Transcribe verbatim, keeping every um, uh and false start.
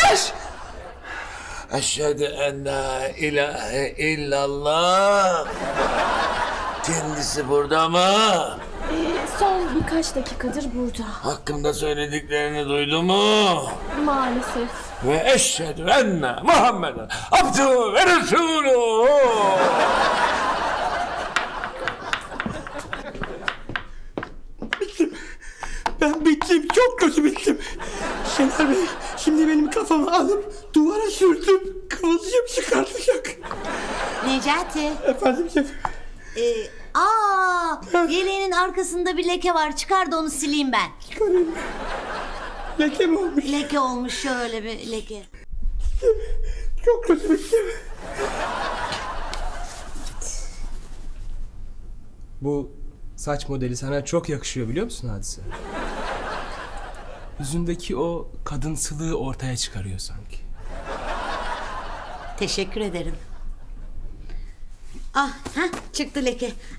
Yaklaş! Eşhedü en la ilahe illallah. Kendisi burada mı? Ee, son birkaç dakikadır burada. Hakkımda söylediklerini duydu mu? Maalesef. Ve eşhedü enne Muhammeden abdühü ve resulühü. Ben bittim, çok kötü bittim. Şener Bey, şimdi benim kafamı alıp duvara sürtüp kıvılcım çıkartacak. Necati. Efendim şefim. Ee, aa, yeleğinin arkasında bir leke var. Çıkar da onu sileyim ben. Çıkarayım. Leke mi olmuş? Leke olmuş, şöyle bir leke. Çok kötü bittim. Bu saç modeli sana çok yakışıyor biliyor musun Hadise? Yüzündeki o kadınsılığı ortaya çıkarıyor sanki. Teşekkür ederim. Ah, heh, çıktı leke.